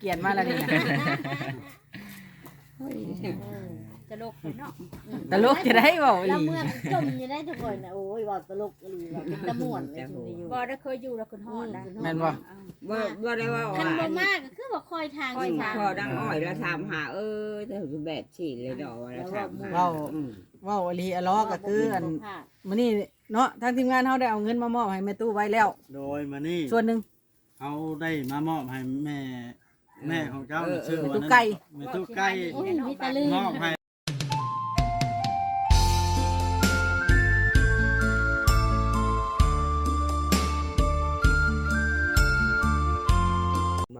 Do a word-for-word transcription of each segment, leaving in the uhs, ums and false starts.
เกลียดมาแล้วนี่นะตลกเนาะตลกจะได้เว้าอีหเราลีเมื่อจมอยู่ได้ทุกคนนะโอ้ยว่าตลกอีหลีว่าเป็นตะม่วนเลยชุมอยู่บ่ได้เคยอยู่แล้วคุณฮอดนะแม่นบ่บ่บ่ได้ว่าคันว่าบ่มากก็คือว่าคอยทางอ้อยทางพอดังอ้อยแล้วถามหาเออแต่แบบฉีดเลยดอกแล้วถามหาเว้าอืมเว้าอีหลีอะล้อก็คืออันมื้อนี้เนาะทางทีมงานเฮาได้เอาเงินมามอบให้แม่ตู้ไว้แล้วโดยมานี่ส่วนหนึงเขาได้มามอบให้แม่แม่ของเจ้าน่ะชื่อแม่ว่าตู้นั้นไก่แม่ตู้ไก่โอ้ยมีตะลืมมอบให้บ่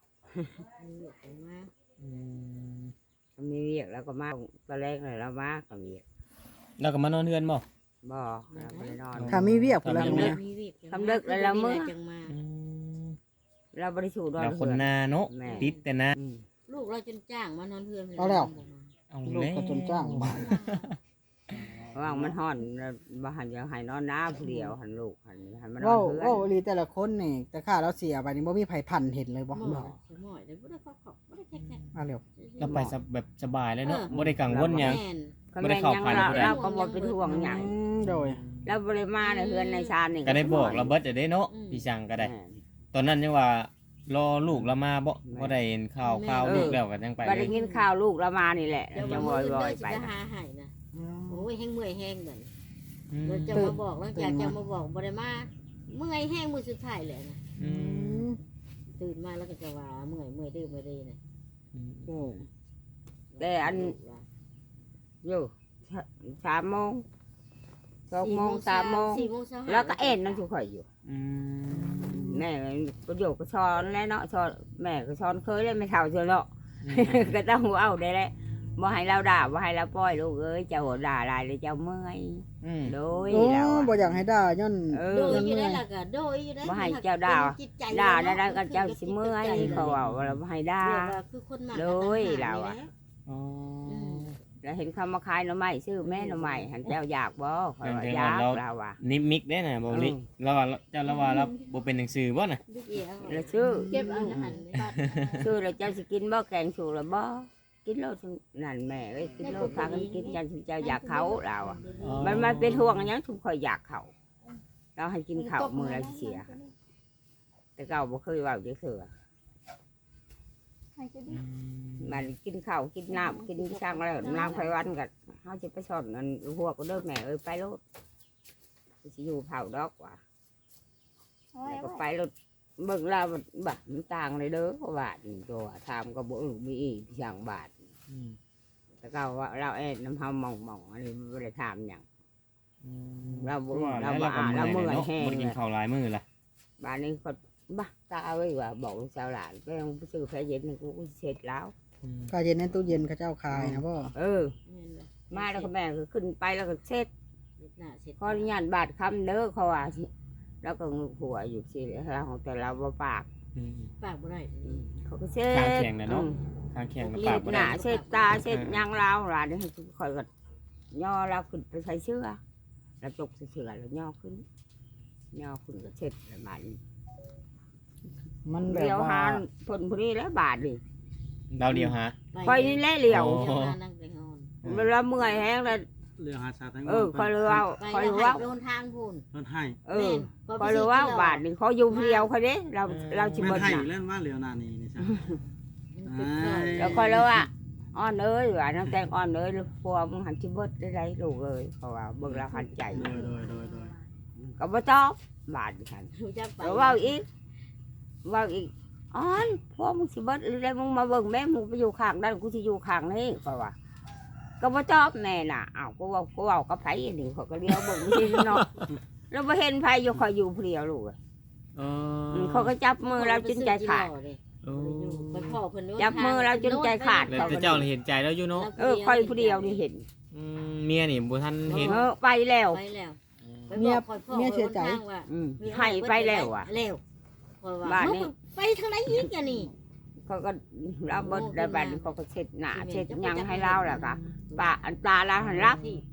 อืมมีเรียกแล้วก็มาตอนแรกเลยแล้วมาก็มีแล้วก็มานอนเฮือนบ่บ่แล้วก็ได้นอนถ้ามีเวียกพุ่นละทำมื้อเวีนี้ยกมีวิกทำเลิกแล้วละมื้อจังมาอืมเราบริสุทธิ์ดอนเราคนเหือนาเนาะแม่ติดแต่นาอืมลูกเราจนจ้างมานอนเพื่อนเอาแล้วเอาลูกแล้วก็จนจ้างบาดว่างมันห่อนแล้วบ่หันจะให้นอนน้าผู้เดียวหันลูกหันหันมานอเว้านเพื่อนเว้าอีหลีแต่ละคนนี่แต่ข้าเราเสียไปนี่บ่มีไผพันเห็นเลยบ่หมบ่อสมอยเดี๋ยวบ่ได้เข้าขอบบ่ได้แค่แค่มาเร็วเราไปสบแบบสบายเลยเนาะบ่ได้กังวลหยังแม่นก็บ่ได้แม่นเข้ายังพันเราผู้ใดเราก็บ่เป็นห่วงหยังอืมโดยแล้วบ่ได้มาในเฮือนในชานนี่ก็ได้บอกเราเบิดจะได้เนาะพี่ช่างก็ได้แม่นตอนนั้นยังว่ารอลูกเรามาบ่บ่ได้เห็นข่าวข่าวลูกแล้วก็ยังไปบ่เลได้ยยินข่าวลูกเรามานี่แหละเดี๋ยวจะมาบ่มื้ออยเด้อๆสิไปไปนะหาให้นะโอ้ยแห้งเมื่อยแห้งเหมือนอืมเราจะมาบอกแล้วอยากจะมาบอกบ่ได้มาเมื่อยแห้งมื้อสุดท้ายเลยนะอืมตื่นมาแล้วก็จะว่าเมื่อยเมื่อยดื้อเมื่อยดื้อนะอืมแต่อันอยู่สามโมงสองโมงสามโมงสี่โมงเช้าแล้วก็เอ็นนั่งอยู่ข่อยอยู่อืมแม่ประโยชน์ก็ช้อนแล้วเนาะช้อนแม่ก็ช้อนเคยเลยไม่เท่าเชียวเนาะ ก็ต้องเอาได้แหละบ่ให้เราด่าบ่ให้เราปล่อยลูกเอ้ยเจ้าด่าอะไรเลยเจ้าเมื่อยอืมโดยโอ้เราบ่อะอยากให้ด่าย้อนเอโดอยอยู่ได้ล่ะก็โดยอยู่ได้บ่ให้เจ้าด่าจิตใจด่าแล้วก็เจ้าสิเมื่อยเขาว่าว่าเราบ่ให้ด่าเรียกว่าคือคนมากโดยเราอะอ๋อแล้วเห็นเขามาขายหน่อไม้ซื้อแม่หน่อไม้หันเจ้าอยากบ่ข่อยว่าอยากเราอ่ะนิมิกได้น่ะบ่ลิอืมเราว่าเจ้าเราว่าเราบ่เป็นหนังสือบ่น่ะลูกเอ๋วแล้วซื้อเก็บเอาอาหารบัดซื้อแล้วเจ้าสิกินบ่แกงสูแล้วบ่กินโลดนั่นแม่เอ้ยกินโลดพากันกินจังเจ้าอยากเขาเราอ่ะ มันมันเป็นห่วงอย่างทุกคนอยากเขาเราให้กินข้าวมือละเสีย แต่เก่าบ่เคยว่าจะเสือมันกินข้าวกินน้ำกินช่างแล้วน้ำไฟวันกันเขาจะไปสอนนั่นหัวก็เด้อแม่เอ้ยไปรถสิอยู่เผาดอกว่ะแล้วก็ไปรถเบิ่งเราแบบมันต่างเลยเด้อเพราะว่าตัวทำก็บ่รู้มีอีกช่างบาทอืมแต่เก่าว่าเราเอ็ดน้ำเฮามองมองอันนี้ไม่ได้ทำอย่างอืมเราบ่ว่าเราแล้วบ่เราก็เราเมื่อยเมื่อยเนาะแห้งบ่ได้กินเลยข้าวหลายมื้อล่ะบ้านนี้ก็บ้าตาไว้ว่าบอกลูกสาวหลานไปเอาไปซื้อแพ้เย็นนี่กูเสร็จแล้วอืมก็เย็นในตู้เย็นเขาเจ้าขายนะบ่เออ มาแล้วก็แม่ก็ขึ้นไปแล้วก็เสร็จหน้าเสร็จขออนุญาตบาดคำเด้อเขาว่าสิแล้วก็งึกหัวอยู่สิเราของแต่เราบ่ปากอืมปากบ่ได้เขาก็เสร็จข้างแข็งน่ะเนาะอืมข้างแข็งกับรีปากบบ่หได้น้าเสร็จตาเสร็จยางเราหลานนี่คอยก็ย่อเราขึ้นไปใส่เสื้อแล้วจกใส่เสื้อแล้วย่อขึ้นย่อขึ้นก็เสร็จแล้วบาดนี้มันแบเลี้บยวว่าหาผลพอดีแล้วบาทดิดาวเดียวหาคอยนี่แหละเลี้ยวโอ้นั่งไปงอนเวลาเมื่อยแห้งแล้วเรื่องหาชาทั้งเออคอยรู้ว่าไปคอยแล้วรู้ให้ว่าโดนทางพูนเพิ่นให้เออคอยรู้ว่าบาทนี่เขาอยู่เพียวเขาเด้เราเราชิแม่บนดให้น่ะเล่นว่าเหลียวหน้านี่นี่จ้ะแล้วคอยรู้ว่าอ้อนเอ้ยว่าน้ำแตงอ้อนเอ้ยพวกมึงหันชิบดได้ไรลูกเอ้ยเพราะว่าเบิ่งเราหันใจโดยโดยโดยโดยก็บ่ตอบบาทฉันรู้จักไปแล้วว่าอีกว่าอีกอ้อนพวกมึงชิบดอะไรมึงมาเบิ่งแม่มึงไปอยู่ข้างด้านกูจะอยู่ข้างนี้เพราะว่าก็บ่ตอบแน่น่ะอ้าวกูว่ากูว่ากับไผอันนี้เขาก็เลี้ยวเบิ่งนี่เนาะเราบ่เห็นไผอยู่คอยอยู่เพียวลูกเออือมเขาก็จับมือเราจนใจขาดโอ้ไปพ่อเพิ่นโดนจับมือเราจนใจขาดแล้วแต่เจ้าเห็นใจแล้วอยู่เนาะเออคอยผู้เดียวนี่เห็นอืมเมียนี่บ่ทันเห็นเออไปแล้วไปแล้วเมียเมียเสียใจอืมให้ไปแล้วอ่ะแล้วบ้าบ้านนนี้นี้ไปทางไหนอีกอ่ะนี่เขาก็เราเบิดได้บัดนี้เขาก็เช็ดหน้าเช็ดหยังให้เราแหละค่ะปะอันตาเราหันรับ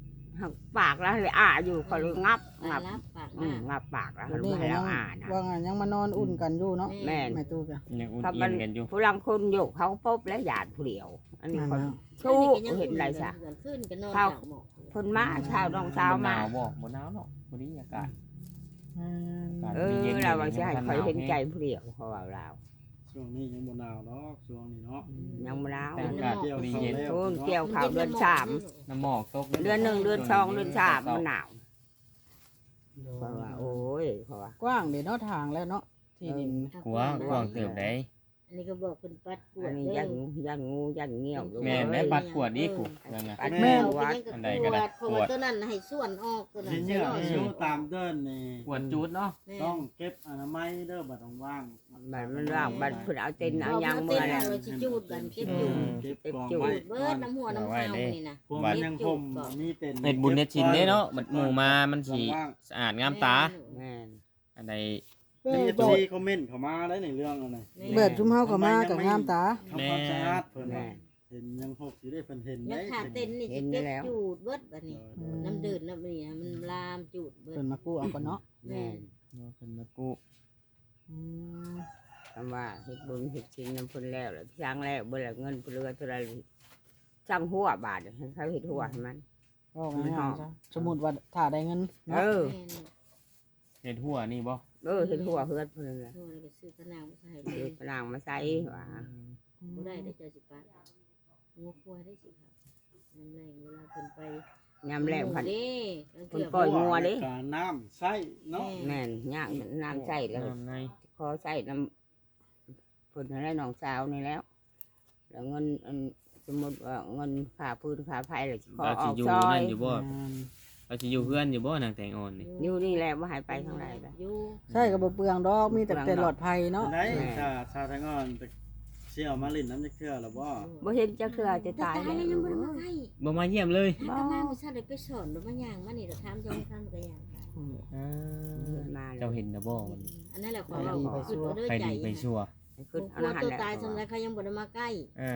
หักปากแล้วเลยอ่าอยู่เขาเลยงับปางับรับปากอืมามงับปากแล้ววันให้นี้ก็ยัเรางอ่านะว่าไงยังมานอนอุ่นกันอยู่เนาะแม่นแม่ตู้กะยังอุ่นถ้าเอีมัยนนกันอยู่ผู้ลังคนอยู่เขาปุ๊บแล้วหยาดผู้เดียว อันนี้คนนั่นน่ะชู้เห็นไรซะขึ้นกันนอนเข้าหมอกคนมาเช้าน้องเช้าบ่หมานาวบ่บ่หนาวเนาะบ่ดีอากาศอืมอากาศเออเราว่าจะให้คอยเห็นใจผู้เดียวเขาว่าเราช่วงนี้ยังบ่หนาวเนาะช่วงนี้เนาะยังไม่แล้วแต่อากาศเกี่ยวดีเขาเย็นแล้วโอนเกี่ยวข่าวเดือนสามน้ำหมอกตกเดือนหนึ่งเดือนสองเดือนสามมันหนาวเพราะว่าโอ้ยเพราะว่ากว้างเด้เนาะทางแล้วเนาะที่ดินกว้างกว้างเติบได้อันนี้ก็บอกคุณปัดกวอัดนนี้เด้ยัอนยันงูยันเงี้ยวแม่นได้ปัดกวดอีกกูนั่นน่ะปัดแม่แม่วัวัดดอันใดก็ได้เพราะว่าตัวนั้นให้ส่วนออกตัวนั้นเห็นใส่เยอะรอดอยู่ตามเดินนี่กวดจูดเนาะต้องเก็บอนามัยเด้อบัดว่างบัดมันว่างบัดเพิ่นเอาเต็นเอาเอายัยัง งเมื่เมื่ออแล้แล้ว วสิจูดกันเก็บจูดเก็บกองจูดไว้เบิดน้ำหัวน้ำเท้านี่นะพวกมันยังห่มมีเต็นเฮ็ดบุญเฮ็ดชินเด้เนาะบัดหมู่มามันสิสะอาดงามตาแม่นอันใดเอ้มียเอฟโดซีดคอมเมนต์เข้ามาได้ในเรื่องอะไรเบิดชุมเฮาก็มากับงามตาทำความสะอาดเพิ่นแม่ว่าเห็นยังหกสิได้เพิ่นเห็นยัได้งขาดเต้นนี่เห็สินเก็บแล้วจูดเบิดบัดนี้น้ำดื่นน้ำนี่มันลามจูดเบิดเพิ่นมากู้เอาก่อนเนาะแม่นเนาะเพิ่นมากู้อืมคำว่าเฮ็ดบุญเฮ็ดชินน้ำเพิ่นแล้วแล้วสร้างแล้วเบิ่ละเงินเพิ่นเหลือเท่าไหร่สร้างหัวบาทให้เขาเฮ็ดหัวให้มันก็ง่ายๆซะสมมุติว่าถ้าได้เงินเอเนาะอเฮ็ดหัวนี่บ่เออเฮ็ดหัวเฮือนเพิ่นนั่นแหละโทษแล้วก็ซื้อกระนางมาใส่เฮ็ดพลังมาใส่ว่าบ่ได้ได้เจอสิปัดงัวควายได้สิครับน้ำแรงเวลาเพิ่นไปยามแรงพันเด้เพิ่นปล่อยงัวเด้การน้ำใส่เนาะแม่นย่างน้ำใส่แล้วน้ำในขอใส่น้ำเพิ่นให้น้องสาวนี่แล้ว แล้วเงินอันสมมุติว่าเงินค่าพื้นค่าไฟแล้วสิขอเราอสิอกอยู่ซอนั่ยนอยู่บ่เราสิอยู่เฮือนอยู่บ่นางแตงอ่อนนี่อยู่นี่แหละบ่ให้ไปทางใดล่ะอยู่ใช่ก็บ่เปลืองดอกมีแต่แต่หลอดภัยเนาะไหนชาชาทางอ่อนแต่เชี่ยวมาลินน้ำจะเชื่อหรือว่าบ่เห็นจะคือจะตายแล้แล้ว วยังบ่ได้มาใกล้บ่มาเยี่ยมเลยถ้ามาบ่ซัดได้ไปสอนหรือมาย่างมานี่ก็ถามจองทำก็ย่างไปอ่ามาเจ้าเห็นนะบ่มันอันนั้นแหละขอเราขึ้นเอาเด้อใครใจดีไปชั่วขึ้นกอลัรวหันตัวต์ตายสำหรับเขายังบ่ได้มาใกล้อ่า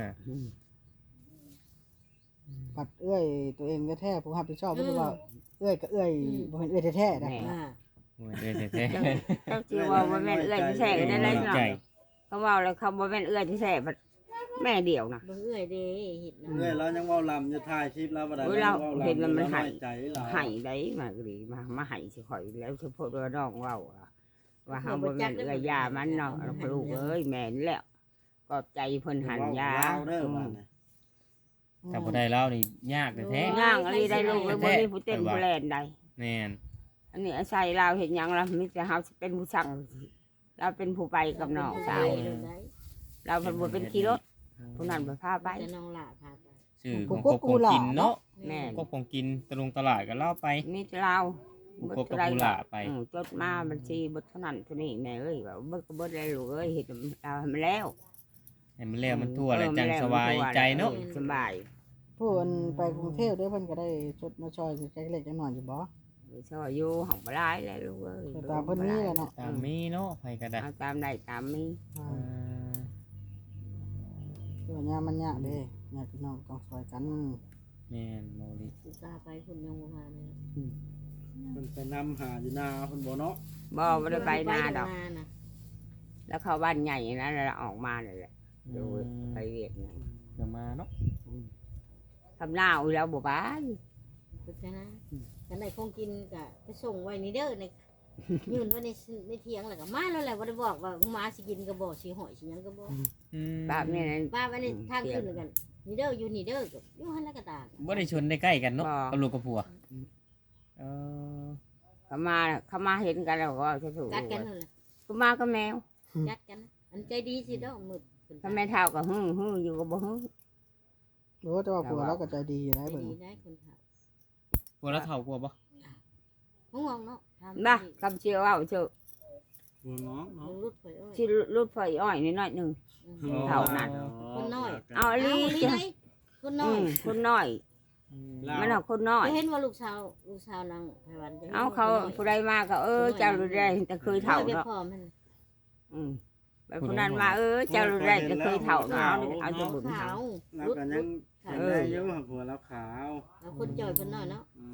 ปัดเอื้อยตัวเองแท้ๆผู้รับผิดชอบบ่รู้ว่าเอื้อยก็เอื้อยบ่แม่นเอื้อยแท้ๆนะอ่าโอ้ยเด้อแท้เจ้าสิว่าบ่แม่นเอื้อยที่แท้กันได้เลยๆเนาะใจเขาเว้าแล้วเขาบ่แม่นเอื้อยที่แท้บัดแม่เดียวนะเบิ่งเอื้อยเด้เฮ็ดนะเรื่อยแล้วยังว่าลำจะถ่ายคลิปแล้วบ่ได้เฮ้ยเราเห็นแล้วมันหายใจเราให้ได้มาก็ดีมามาให้สิข่อยแล้วเฉพาะว่าน้องเว้าอะว่าเฮาบ่แม่นเอื้อยยามันเนาะลูกเอ้ยแม่นแล้วขอบใจเพิ่นหันยาเด้อว่าน่ะถ้าบ่ได้เล่านี่ยากแท้ย่างอะไรได้ลูกแล้วบ่มีผู้เต้นผู้แล่นได้ๆแม่นอันนี้อาศัยเราเห็นหยังเรามีแต่เราเป็นผู้สั่งเราเป็นผู้ไปกับน้องสาวเราเป็นผู้เป็นขี่รถผู้นั้นไปพาไปแต่น้องหล่าพาไปชื่อของครบของกินเนาะแม่ครบของกินตะลงตลาดก็เล่าไปมีแต่เราครบกับผู้หลาไปอืมจดมาบัญชีบทเท่านั้นเท่านี้แม่เอ้ยว่าเบิดก็เบิดแล้วลูกเอ้ยเห็นเราให้มันแล้วให้มันแล้วมันทั่วแล้วจังสบายใจเนาะสบายผู้อันไปกรุงเทพเด้อเพิ่นก็ได้ชดมาช่วยจักเล็กจักน้อยอยู่บ่ชอบอยู่ห้องปลายแล้วลูกเอ้ยแต่ตามเพิ่นมีแหละเนาะตามมีเนาะไปก็ได้เอาตามได้ตามมีอ่าอ่าเดี๋ยวยามมันยากเด้ญาติพี่น้องต้องช่วยกันแม่นโมลิอุตส่าห์ไปคุณยังบ่พาเลยเพิ่นไปนำหาอยู่นาเพิ่นบ่เนาะบ่ไม่ได้ไปหน้าดอกนาน่ะแล้วเข้าบ้านใหญ่นะแล้วออกมาเลยแหละดูไปเวียดเนี่ยเดี๋ยวมาเนาะทำหน้าอุ้ยแล้วบ่ไปคือแค่นั้นกันได้คงกินก็ไปส่งไว้นี่เด้อในยืนไว้ในในเถียงแล้วก็มาแล้วแหละบ่ได้บอกว่ามาสิกินก็บ่สิหอยสิหยังก็บ่อืมแบบนี้นะป้าไว้ในทางขึ้นกันนี่เด้ออยู่นี่เด้อก็อยู่หั่นแล้วก็ตากบ่ได้ชนได้ใกล้กันเนาะบ่กับลูกกับผัวเออเขามาเขามาเห็นกันแล้วก็จะถูกกัดกันนั่นแหละก็มาก็แมวกัดกันนะอันใจดีสิเด้อมืดเพิ่นถ้าแม่เท่าก็ฮึ่งฮึ่งอยู่ก็บ่ฮึ่งโอ้แต่ว่าผัวเราก็ใจดีอยู่ได้ใจเบิ่งดีได้คนเฒ่าผัวแล้วเฒ่ากว่าบ่ห่วงเนาะทำนะคำเชียวเอาเชื่อหัวน้องเนาะรุดไปเอ้ยที่รุดไฟอ้อยนิดหน่อยหนึ่ง เท่านั้นคนน้อยเอาอเอาลีอีหลีได้คนน้อือยมคนน้อยอืมมันเอาคนน้อยจะเห็นว่าลูกสาวลูกสาวนางไพวันจะห็นเอาว่เขาคนน้อยผู้ใดมาก็เออเจ้ารู้ได้แต่เคยเท่าเนาะเนาะพ่อมันอืมแบบผู้นั้นมาเออเจ้ารู้ได้แต่เคยเท่าเนาะเอาเอาจะบุญขาเขาวแล้วรุดก็ยัรุงดเห็นได้อยู่หัวแล้วขาวเอาคนจ่อยคนน้อยเนาะอืม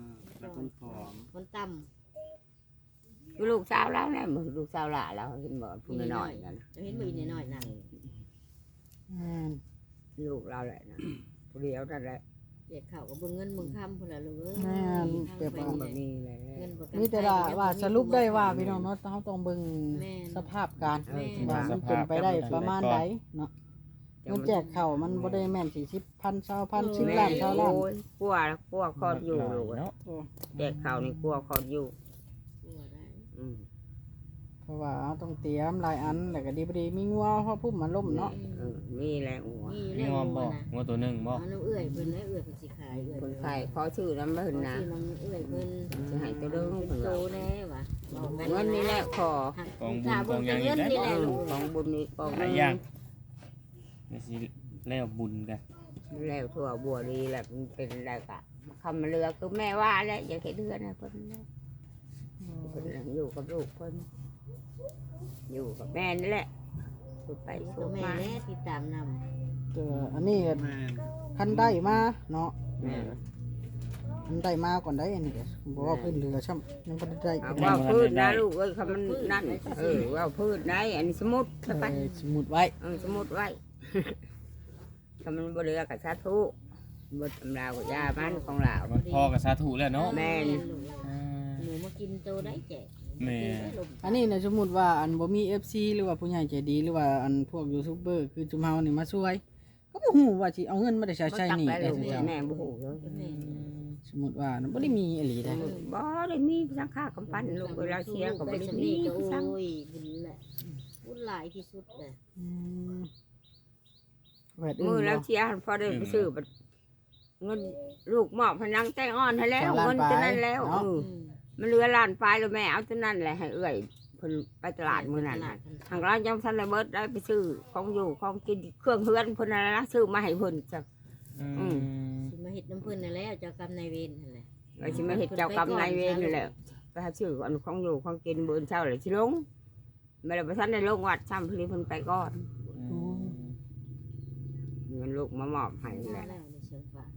แต่คนผอมมันต่คือลูกสาวแล้วเนี่ยมือลูกสาวหล่าแล้วเห็นบ่พูดน้อยๆนั่นำจะเห็นมือน้อยๆนั่งอืมลูกเราแหละนะผู้เดียวนั่นแหละเด็กเขาก็เบิ่งเงินเบิ่งคำพุ่นละลูกเอ้ยแม่นเปรียบมัว่านแบบนี้เลยเงินประกันมีแต่ว่าว่าสรุปได้ว่าพี่น้องเนาะเฮาต้องเบิ่งสภาพการเออว่ามันเป็นไปได้ประมาณใดเนาะเงินแจกข้าวมันบ่ได้แม่นสี่สิบพันเช้าพันสิบล้านเช้าล้านโอ้ยกลัวกลัวคอดอยู่ลูกเนาะแจกข้าวนี่กลัวคอดอยู่ตัวได้อืมเพราะว่าเราต้องเตรียมหลายอันแล้วก็ดีบ่ดีมีงัวเพราะพุ่มมันล่มเนาะเออมีแรงหัวมีมีเรื่องงอมหับ่วนะงอตัวหนึงบ่เอาน้ำเอื้อยเพิ่นแล้วเอื้อยเพิ่นสิขายเอื้อยคนไข้ขอชื่อน้ำเบิ่นนะชื่อน้ำเอื้อยเพิ่นจะให้ตัวเรื่องเป็เพิ่นนโตว่าแน่ว่ะเงินนี่แหละขอกองบุญถ้ากองหยังเงินนี่แหเอละอลูกของบุญนี่กองหลายอย่างนี่สิแล้วบุญกันแล้วทั่วบัวดีแหละมันเป็นอะไรกะคำมาเรือคือแม่ว่าแล้วอย่าแค่เดือนนะเพิ่นนะเพิ่นอยู่กับลูกเพิ่นอยู่กับแม่นี่แหละสุดไปสุตัวดแม่มาแน่ติดตามนำเจออันนี้ก็แม่นคันได้มาเนาะแม่คันได้มาก่อนได้อันนี้ก็บ่ว่าพื้นเรือช่ำยังบ่ได้ได้เอาว่าพืชนะลูกเอ้ยคำมันนั่นเออว่าพืชได้อันนี้สมุดใช่ปะเออสมุดไว้เออสมุดไว้ คำมันบเรือกับสาธุบทตำราวกับยามันของเรามันพอกับสาธุแล้วเนาะแม่นอ่าหนูมากินโตได้แจกแม่อันนี้เนี่ยสมมุติว่าอันบ่มี เอฟ ซี หรือว่าผู้ใหญ่ใจดีหรือว่าอันพวกยูทูบเบอร์คือจุมเฮานี่มาช่วย ก็บ่ฮู้ว่าสิเอาเงินมาได้ใช้ใช้หนี่ได้ได้ลูกสิเจ้าแม่บุหูเลยสมมุติว่านะบ่ได้มีอีหลีได้บ่ได้มีสังฆากำปั้นลูกเวลาเชียร์ก็บ่ได้ได้สำมีนีก็โสังอ้ยบุญแหละบุญหลายที่สุดเลยอืมแวดอื่นมือแล้วบ่เชียร์พอได้ไปซื้อบัดเงินลูกหมอบพนังแต่งอ่อนให้แล้วเงินจะนั้นแล้วเออมันเหลือล้านปลายแล้วแม่เอาจะนั่นแหละให้เอื้อยเพิ่นไปตลาดมื้อนั้นน่ะทางร้านยังทันได้เบิดได้ไปซื้อของอยู่ของกินเครื่องเฮือนเพิ่นนั่นละซื้อมาให้เพิ่นจ้ะอืมสิมาเฮ็ดน้ำเพิ่นนั่นแหละเจ้ากรรมนายเวรนั่นแหละไอ้สิมาเฮ็ดเจ้ากรรมนายเวรนี่แหละไปหาซื้ออันของอยู่ของกินมื้อเช้าเลยสิลงไม่ได้ไปทันได้ลงวัดซ้ำพลีเพิ่นไปก่อนอืมเงินลูกมามอบให้มาแหละแล้วในเชียงฝาก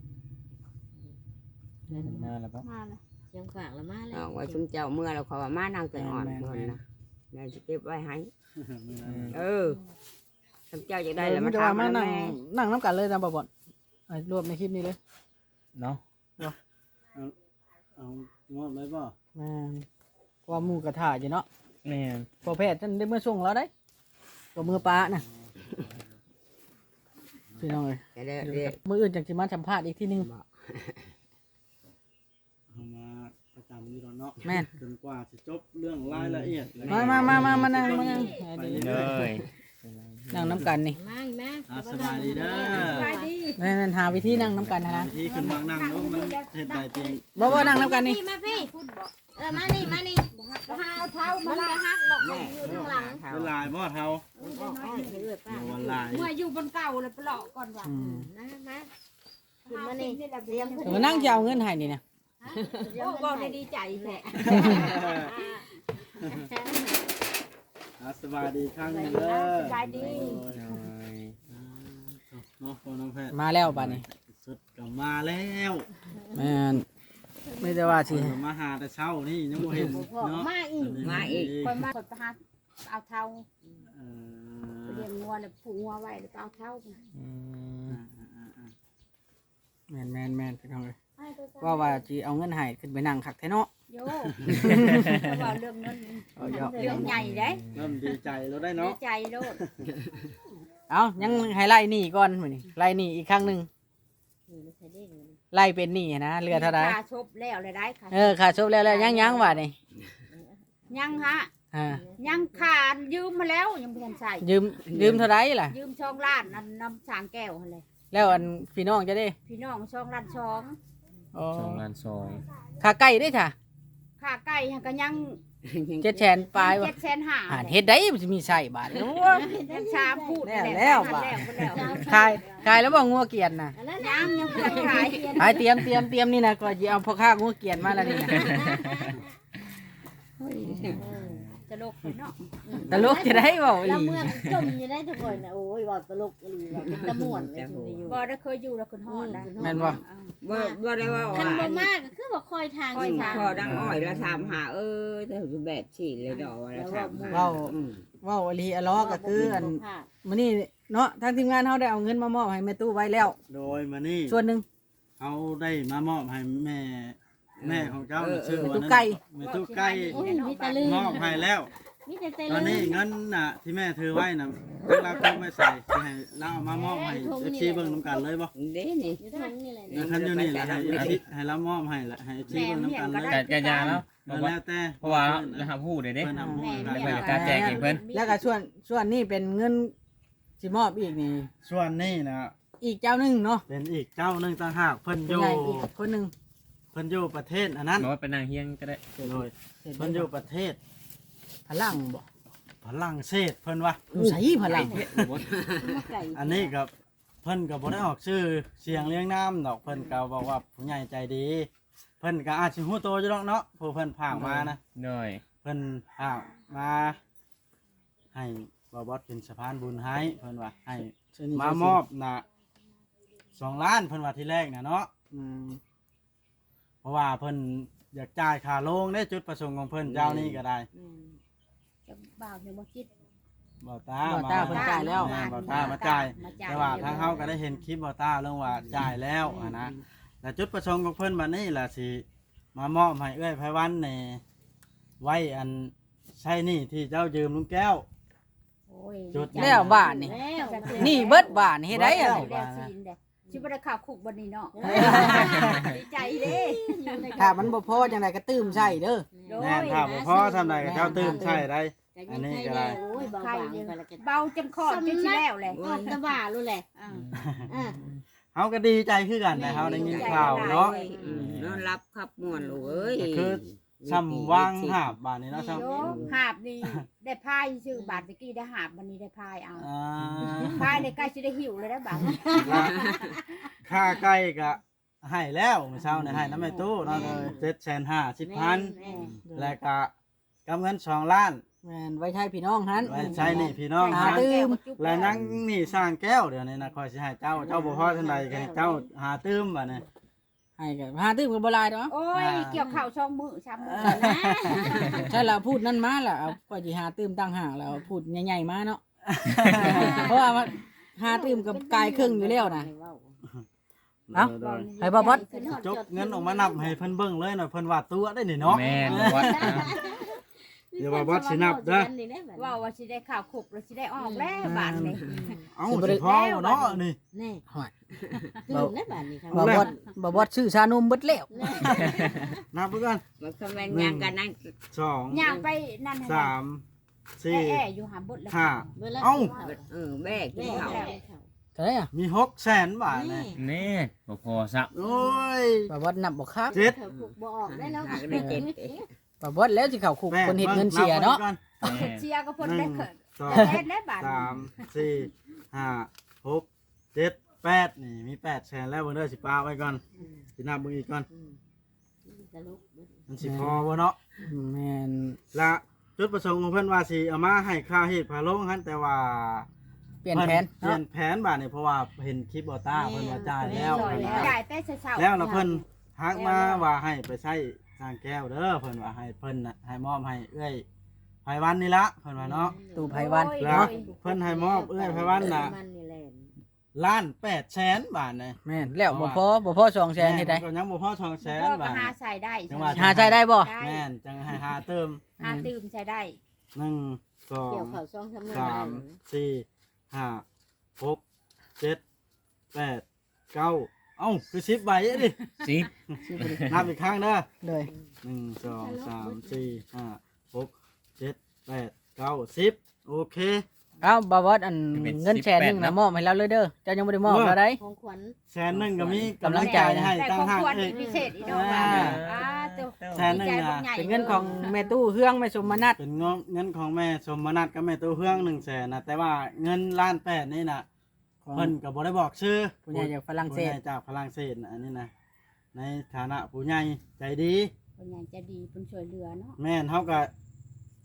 มาแล้วปะมาเลยเชียงฝากแล้วมาแล้เอาวไว้ชุมเจ้าเมื่อเราขอว่ามานางแต่อ่อนเงินนะแม่จะเก็บไว้ให้อืมเออชุมเจ้าจะได้เออแล้วมัมานจะว่าทำมามานั่งแม่นั่งน้ำกันเลยนะบ่บ่อนไอ้รวมในคลิปนี้เลยเนาะเอางอดไว้บ่แม่นว่าหมู่กระถาอยู่เนาะแม่นพอแพทย์ท่านได้เมื่อส่งเราได้ก็มือป้าน่ะพี่น้องเอ้ยจะได้เรียกมื้ออื่นจังสิมาสัมภาษณ์อีกทีนึงเอามาประจำอยู่แล้วเนาะแม่นจนกว่าจะจบเรื่องรายละเอียดมามามามามานั่งมานั่งไปเลเรื่อยยนั่งน้ำกันนี่มาอีกแม่ๆอ่ะสบายดีเด้อสบายดีนั่นๆหาวิธีนั่งน้ำกันนะนะที่ขึ้นมานั่งลงมันเฮ็ดได้เพียงบ่บ่นั่งน้ำกันนี่มาพี่เออมานี่มานี่มาเอาเท้ามัมาน ละจะฮักดอกแม่อยู่ข้างหลังเวลาบ่เท่าให้เอื้อยป้าเดี๋ยววันลายเมื่ออยู่บนเก่าเลยไปหลอกก่อนว่ะอืมมามาขึ้นมานี่เรียงเดี๋ยวมานั่งจะเอาเงินให้นี่นะเรียงโอ้ขึ้นบอกไปได้ดีใจแหละอ่ะสบายดีครั้งหนึงเด้อสบายดีโอ้ยเนาะพ่อน้องแพทย์มาแล้วบัดนี้สุดก็มาแล้วแม่นไม่ได้ว่าสิเพิ่นก็มาหาแต่เช้านี่ยังบ่เห็นเนาะมาอีกมาอีกคอยมาคอยไปหาเอาเท้าเอไปอเลี้ยงงัวเลยผูกงัวไว้แล้วก็เอาเท้าอืมแม่นแม่นแม่นพี่น้องเอ้ยว่าว่าสิเอาเงินให้ขึ้นไปนั่งคักแท้เนาะโย่ว่าเรื่องเงินเอาเยอะเรื่องใหญ่เด้เริ่มดีใจแล้วได้ดีเนาะใจโลดเอายังให้ไล่หนี้ก่อนมื้อนี้ไล่หนี้อีกครั้งหนึงนี่ไม่ใช่เด้งเลยไล่เป็นหนี้นะเหลือเท่าใดค่าชบแล้วเลยได้ค่ะเออค่าจบแล้วแล้วยังยังว่านี่ยังฮะอ่ายังขาดยืมมาแล้วยังไม่ทันใส่ยืมยืมเท่าใดล่ะยืมช่องล้านนั่นน้ำสางแก้วหั่นเลยแล้วอันพี่น้องจะได้พี่น้องช่องล้านช่องอ๋อสองล้านสองค่าไก่ได้จ้ะค่าไก่หั้นก็ยังเจ็ดแสนปลายว่ะเจ็ดแสนห้าอ่านเฮ็ดได้มันสิมีใส่บาทโอ้ยยังชามพูดแล้วแล้วบ่ะแล้วแล้วขายขายแล้วบ่งัวเกียนน่ะยังยังเพื่อนขายขายเตรียมเตรียมเตรียมนี่นะก็สิเอาพ่อค้างัวเกียนมาแล้วนี่นะจะลกเลยเนาะตลกจะได้เว้าอีแล้วเมื่อจมอยู่ได้ทุกคนน่ะโอ้ยว่าตลกอีหลีว่าเป็นตะม่วนเลยทุกนี้อยู่บ่ได้เคยอยู่แล้วคนฮอดนะแม่นบ่บ่บ่ได้ว่าคันว่าบ่มากก็คือบ่คอยทางอืสิมทางพอดังอ้อยแล้วถามหาเออแต่แบบฉีดเลยดอกแล้วถามหาเว้าอืมเว้าอหลีอะล้อก็คืออันมื้อนี้เนาะทางทีมงานเฮาได้เอาเงินมามอบให้แม่ตู้ไว้แล้วโดยมานี่ส่วนหนึงเอาได้มามอบให้แม่ แม่ของเจ้าน่ะชื่อแม่ว่าตู้ไก่แม่ตู้ไก่โอ้ยมีแต่ลืมมอบให้แล้วมีแต่แต่ตอนลืนี้มเงินน่ะที่แม่ถือไว้น่ะเวลาเขาไม่ใส่สิให้เราเอามามอบให้ เอฟ ซีเบิ่งนํกันเลยบ่เด้นี่อยู่ทางนี่แหละแล้วคันอยู่นี่แหละให้เอฟซีให้เรามอบให้ละให้ เอฟ ซีเบิ่งนํกันเลยแต่กะยาแล้วแล้วแล้วแต่เพราะว่าแล้วหาผู้เด้เด้เพิ่นเอามอบให้เพิ่นก็กล้าแจกเองเพิ่นแล้วก็ส่วนส่วนนี้เป็นเงินสิมอบอีกนี่ส่วนนี้น่ะอีกเจ้าหนึงเนาะเป็นอีกเจ้าหนึงต่างหากเพิ่นอผู้ยู่ใหญ่อีกคนหนึงเพิ่นอยู่ประเทศอันนั้นบอกว่าเป็นนางเฮียงก็ได้โดยเพิ่นอยู่ประเทศพลังบ่ฝรั่งเศสเพิ่นว่าอยู่ไสพลังมาไก่อันนี้กับเพิ่นก็บ่ได้ออกชื่อเสียงเรียงนามดอกเพิ่นก็บอกว่าผู้ใหญ่ใจดี เพิ่นก็อาจสิฮู้โตอยู่ดอกเนาะผู้เพิ่นพากมานะหน่อยเพิ่นพากมาให้บ่บอสเป็นสะพานบุญให้เพิ่นว่าให้มามอบน่ะสองล้านเพิ่นว่าที่แรกน่ะเนาะอืมเพราะว่าเพิ่นอยากจ่ายค่าโรงได้จุดประสงค์ของเพิ่นเจ้านี้ก็ได้จะบ่าวเนี่ยบ่คิดบ่ตาบ่ตาเพิ่นจ่ายแล้วแม่บ่ตามาจ่ายมาจ่ายแต่ว่าทางเฮาก็ได้เห็นคลิปบ่ตาเรื่องว่าจ่ายแล้วอะนะแต่จุดประสงค์ของเพิ่นบัดนี้ล่ะสิมามอบให้เอ้อยไผวันนี่ไว้อันใช้หนี่ที่เจ้ายืมลุงแก้วโอ้ยจุดแล้วบ้านนี่แล้วนี่เบิดบ้านเฮ็ดได้อะได้แล้วซีนเด้สิบ่ได้ข่าวคุกบัดนี้เนาะดีใจเด้ถ้ามันบ่พอจังไดก็ตื้มใส่เด้อโดยแม่นถ้าบ่พอทำใดก็เจ้าตื่นใช้ได้ อันนี้ก็ได้โอ้ยเบาบางไปแล้วกันเบาจนคอดจนสิแล้วแหละออกตะบ่ารู้แหละอ่าอ่าเฮาก็ดีใจคือกันแต่เฮาได้ยินข่าวเนาะอืมนอนรับครับม่วนลูกเอ้ยก็คือซ้ำวางหาบบาดนี้เนาะซ้ำโยหาบนี่ได้พายชื่อบาทตะกี้ได้หาบวันนี้ได้พายเอาอ่าพายในใกล้สิได้หิวเลยนะบาทค่าไก่ก็ให้แล้วเมื่อเช้านี่ให้น้ำแม่ตู้เนาะเจ็ดแสนห้าสิบพันแม่แล้วก็กำเงินสองล้านแม่นไว้ใช้พี่น้องหันไว้ใช้หนี่พี่น้องหานะตื้มแล้วนั่งนี่สร้างแก้วเดี๋ยวนี้นะคอยสิให้เจ้าเจ้าบ่พอทันใดก็ให้เจ้าหาตื้มบัดนี้ให้ก็หาตื้มก็บ่หลายดอกโอ้ยเกี่ยวข้าวช่องมือช้ำมือนะใช่แล้วพูดนั่นมาล่ะเอาก็สิหาตื้มตั้งหากแล้วพูดใหญ่ๆมาเนาะ เพราะว่ามันหาตื้มกับกายครึ่งอยู่แล้วนะ เอ้า ให้บ่บอสจกเงินออกมานับให้เพิ่นเบิ่งเลยหน่อยเพิ่นว่าตัวได้นี่เนาะแม่นบอกว่าอ่ะเดี๋ยวว่าบอสสินับเด้อว่าว่าสิได้ข้าวคุกแล้วสิได้ออกแล้วบาทนี่เอ้าสิพอบ่เนาะนี่แน่ห่วยตื่นแล้วบ้านนี้ครับบ่บอดบ่บอดชื่อชานมเบิดแล้วนับไปก่อนมันก็แม่นยังกันนั่งสองย่างไปนั่นให้สามสี่แอ่ๆอยู่หาบดแล้วห้าเบิ่งแล้วเอ้าเออแบกกิแม่นข้าวแล้วเท่าไหร่อ่ะมีหกแสนบาทเลยนี่บ่พอซับโอ้ยบ่บอดนับบ่ครับเจ็ดเขาผูกบ่ออกได้แล้วหาก็ได้เจ็ดบ่บอดแล้วสิเข้าคุกแปดคนเฮ็ดเงินเสียเนาะบบิ่งแม่นเชียร์ก็ก่เพิ่อนนหได้นึ่งเขินสองได้เล่นได้บาทสามสี่ห้าหกเจ็ดแปดนี่มีแปดแสนแล้วเบิ่งเด้อสิปาไว้ก่อนสินับเบิ่งอีกก่อนตลกมันสิพอบ่เนาะแม่นและจุดประสงค์ของเพิ่นว่าสิเอามาให้ค่าเฮ็ดพาลงหั่นแต่ว่าเปลี่ยนแผนเปลี่ยเนาะนแผนบาดนี่เพราะว่าเห็นคลิปบ่ต้าเพิ่นว่าจ่ายแล้วจ่ายแล้วจ่ายแต่เช้าๆแล้วแล้วเพิ่นทักมาว่าให้ไปใช้สร้างแก้วเด้อเพิ่นว่าให้เพิ่นน่ะให้มอบให้เอื้อยไผวันนี่ละเพิ่นว่าเนาะตู่ไผวันแล้วเพิ่นให้มอบเอื้อยไผวันน่ะมันนี่แหละล้านแปดแสนบาทนี่แม่นแล้วบ่พอบ่พอสองแสนเฮ็ดได้ก็ยังบ่พอสองแสนพ่อก็บาทหาใส่ได้จังหวะหาใช้ได้บ่แม่นจังให้หาเติมหาตื่มใส่ได้หนึ่งสอเกี่ยงวข้าวซองทำงานสามสี่ห้าหกเจ็ดแปดเก้าเอ้าคือสิบใบอะดิสิบนับอีกครั้งเด้อเลยหนึ่งสองสามสี่ห้าหกเจ็ดแปดเก้าสิบโอเคเอ้าบ่บอดอันเงินแสนหนึงน่ะมอบให้เราเลยเด้อเจ้ายังบ่ได้มอบเราได้ของขวัญแสนหนึ่งก็มีกำลังใจนะให้แต่ตั้งของห้างควรเอ้ยพิเศษอีกเนาะว่าอ่าเจ้าแสนหนึ่งใจนะบักใหญ่เป็นเงินของแม่ตู้เฮืองแม่สมนัตเป็นเงินเงินของแม่สมนัตกับแม่ตัวเฮืองหนึ่งแสนนะแต่ว่าเงินล้านแปดนี่นะของเพิ่นก็บ่ได้บอกชื่อผู้ใหญ่จากฝรั่งเศสผู้ใหญ่จากฝรั่งเศสนะอันนี้นะในฐานะผู้ใหญ่ใจดีคนใหญ่จะดีเป็นช่วยเหลือเนาะแม่นเฮาก็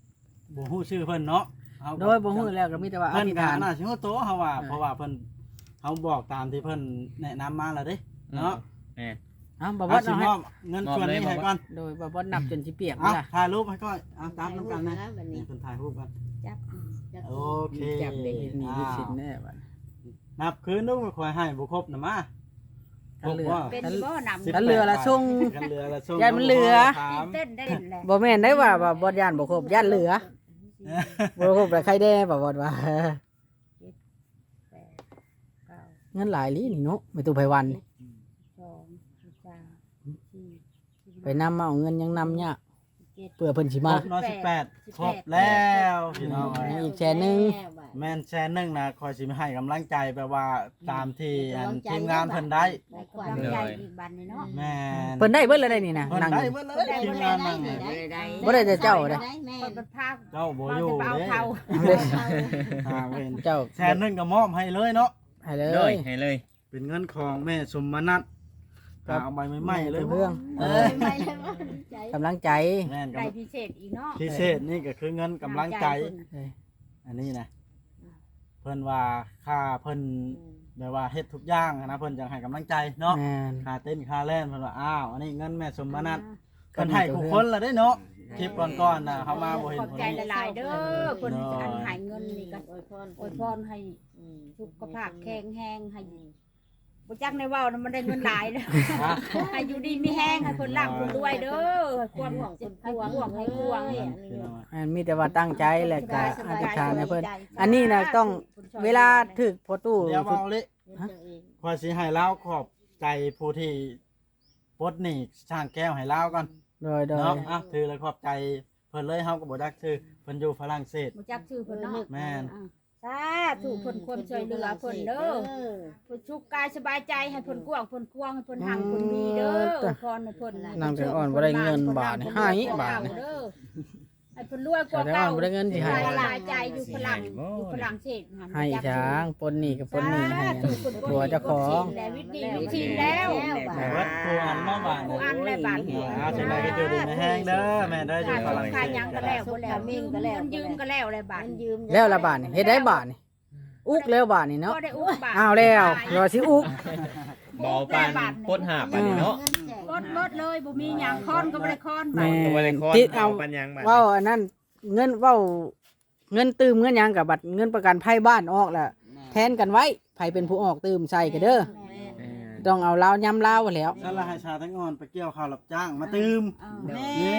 บ่ฮู้ชื่อเพิ่นเนาะเฮาก็โดยบ่ฮู้แล้วก็มีแต่ว่าอเพิ่นธิษก็ฐานน่าสิฮู้โตเฮาว่าเออเพราะว่าเพิ่นเฮาบอกตามที่เพิ่นแนะนำมาแล้วเด้เนาะแม่นเอ้าบ่บ่เอาสิเอามให้อบเงินส่วนนี้ให้ก่อนโดยบ่บ่นับจนสิเปียกเอาล่ะถ่ายรูปให้ก่อนเอาตามนํกันนะบัดนี่นี้เพิ่นถ่ายรูปกันจับจับโอเคจับเด็กนี่ลูกศิษย์แน่บัดนับคืนดูค่อยให้บ่ครบนะมาครบบ่เป็นบ่นำสิบกันเรือละส่งกันเรือละส่งยายมันเหลือถามเต้นได้เล่นแหละบ่แม่นได้ว่าว่าบ่ย่านบ่ครบย่านเหลือบ่ครบแต่ใครแด่บ่บ่ว่าแปดเก้าเงินหลายลีนี่เนาะไม่ตู้ไผวันสองสามสี่ไปนำมาเอาเงินยังนำยากเจ็ดเพื่อเพิ่นสิครมาบเนาะสิบแปดครบแล้วพี่น้องอีกแชร์หนึ่งแม่นแชร์หนึงนะคอยสิให้กำลังใจแปลว่าตามที่อันทีมงานเพิ่นได้ได้กกำว่าลังเดิมใจอีกบันนี่เนาะแม่นเพิ่นได้เบิดแล้วได้นี่นะเพิ่นนั่งได้อยู่เบิดเลยทีมงานนั่งบ่น่ะได้ได้บ่ได้แต่เจ้าเด้แม่เปิดเป็นภาคเจ้าบ่เราอยู่จะเอาเด้เท่าอ่าเว้นเจ้าแชร์หนึงก็มอบให้เลยเนาะให้เลโดยยให้เลยเป็นเงินของแม่สมนัทครับเอาใบใหม่ๆเลยเรื่องเอเอออไม่เลยว่าใจกำลังใจแม่นได้กำพิเศษอีกเนาะพิเศษนี่ก็คือเงินกำลังใจ อันนี้นะเพิ่นว่าค่าเพิ่นแบบว่าเฮ็ดทุกอย่างนะเพิ่นจังให้กำลังใจเนาะแม่นค่าเต้นค่าเล่นเพิ่นว่าอ้าวอันนี้เงินแม่สมนัทเพิ่นให้ทุกคนละได้เนาะคลิปก่อนๆน่ะเขามาบ่เห็นขอบคนใจนี้หลายๆเด้อคนอันหายเงินนี่ก็อวยพรอวยพรให้สุขภาพแข็งแรงให้บ่จักในเว้านะมันได้เงินหลายเด้อฮะให้อยู่ดีมีแห้งให้คนร่ำคนรวยเด้อความหวังเจ็บให้ห่วงให้ห่วงอันมีแต่ว่าตั้งใจแหละก็อธิษฐานให้เพิ่นอันนี้น่ะต้องเวลาถึกพอตู้เดี๋ยวเว้าเลยขอยสิให้ลาวขอบใจผู้ที่ปลดหนี้ช่างแก้วให้ลาวก่อนโดยโดยเนาะอ่ะถือแล้วขอบใจเพิ่นเลยเฮาก็บ่ดักชื่อเพิ่นอยู่ฝรั่งเศสบ่จักชื่อเพิ่นเนาะแม่นสาธุเพิ่นคนช่วยเหลือเพิ่นเด้อเพิ่นสุขกายสบายใจให้เพิ่นกว้างเพิ่นกว้างให้เพิ่นหังเพิ่นมีเด้อพรให้เพิ่นนางแต่อ่อนบ่ได้เงินบาทนี่ให้บาทนี่เด้อให้เพิ่นรวยกว่าแต่อ่เก่าอนบ่ได้เงินสิให้หลายใจอยู่ฝรั่งอยู่ฝรั่งเศสหันให้ช้างปนหนี้กับปนหนี้ให้ตัวเจ้าของแต่วิธีวิธีแล้วแต่ว่าครูอันมาบ้านครูอันได้บาทอ่าจังไดก็อยู่ดีไม่แห้งเด้อแม่เด้ออยู่ฝรั่งเศขายสยังก็แล้วบ่แล้วยืมก็แล้วยืมก็แล้วเลยบาทยืมแล้วละบาทนี่เฮ็ดได้บาทนี่อุกแล้วบาทนี่เนาะก็ได้อุ้มบาทอ้าวแล้วรอสิอุกเบาปานปดหาบอันนี้เนาะลดลดเลยบ่มีหยังค้อนก็บ่ได้ค้อนแม่ก็บ่ได้คอนติดเอาปัญญังบัดเว้าอันนั้นเงินเว้าเงินตืมเงินหยังกับบัตรเงินประกันภัยบ้านออกแล้วแทนกันไว้ไผเป็นผู้ออกตืมใส่กันเด้อเออต้องเอาลาวยำลาวแล้วนั่นละให้ชาทั้งอ่อนไปเกี่ยวข้าวรับจ้างมาตืมแม่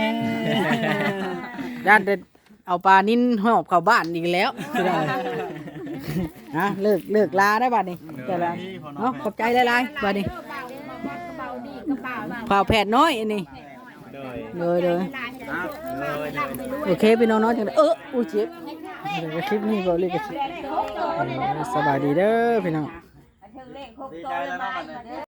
ญาติเอาปลานิ่นหอบเข้าบ้านอีกแล้วฮะเลิกเลิกลาได้บัดนี้แต่ละเนาะขอบใจหลายๆบัดนี้เบาดีก็เบามาข่าวแผดน้อยอันนี้โดยเลยเลยโอเคพี่น้องๆจังได้เอออู้เจ็บเดี๋ยวคลิปนี้ก็เลยก็สิสบายดีเด้อพี่น้องดีใจแล้วเนาะบัดนี้